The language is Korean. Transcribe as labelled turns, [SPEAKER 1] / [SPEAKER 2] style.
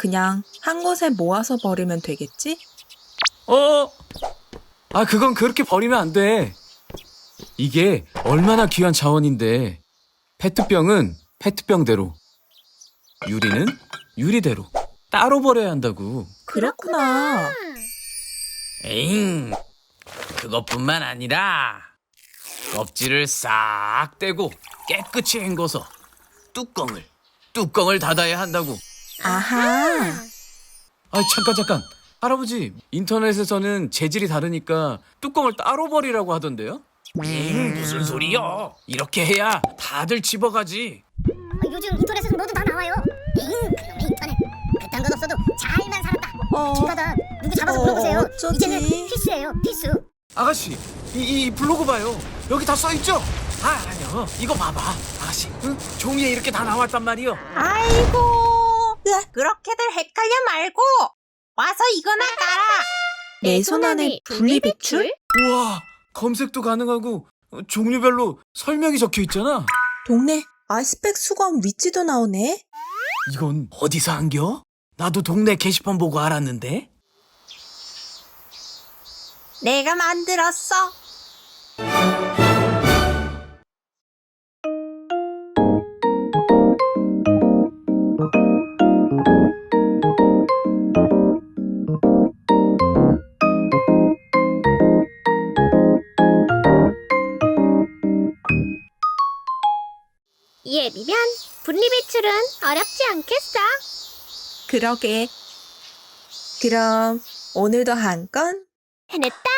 [SPEAKER 1] 그냥 한 곳에 모아서 버리면 되겠지?
[SPEAKER 2] 그건 그렇게 버리면 안 돼. 이게 얼마나 귀한 자원인데. 페트병은 페트병대로, 유리는 유리대로 따로 버려야 한다고.
[SPEAKER 1] 그렇구나.
[SPEAKER 2] 에잉, 그것뿐만 아니라 껍질을 싹 떼고 깨끗이 헹궈서 뚜껑을 닫아야 한다고.
[SPEAKER 1] 아하.
[SPEAKER 2] 잠깐. 할아버지, 인터넷에서는 재질이 다르니까 뚜껑을 따로 버리라고 하던데요? 무슨 소리요? 이렇게 해야 다들 집어가지.
[SPEAKER 3] 요즘 인터넷에서 뭐든 다 나와요. 그놈의 인터넷. 그딴 건 없어도 잘만 살았다. 집 가다 누구 잡아서 물어보세요.
[SPEAKER 1] 어쩌지?
[SPEAKER 3] 이제는 필수예요, 필수.
[SPEAKER 2] 아가씨, 이 블로그 봐요. 여기 다 써있죠? 아니요. 이거 봐봐. 아가씨, 응? 종이에 이렇게 다 나왔단 말이요.
[SPEAKER 4] 아이고, 그렇게들 헷갈려 말고 와서 이거나 깔아.
[SPEAKER 1] 내 손 안에 분리배출?
[SPEAKER 2] 우와, 검색도 가능하고 종류별로 설명이 적혀 있잖아.
[SPEAKER 1] 동네 아이스팩 수거함 위치도 나오네.
[SPEAKER 2] 이건 어디서 한겨? 나도 동네 게시판 보고 알았는데.
[SPEAKER 4] 내가 만들었어.
[SPEAKER 3] 예비면 분리배출은 어렵지 않겠어.
[SPEAKER 1] 그러게. 그럼 오늘도 한 건?
[SPEAKER 3] 해냈다.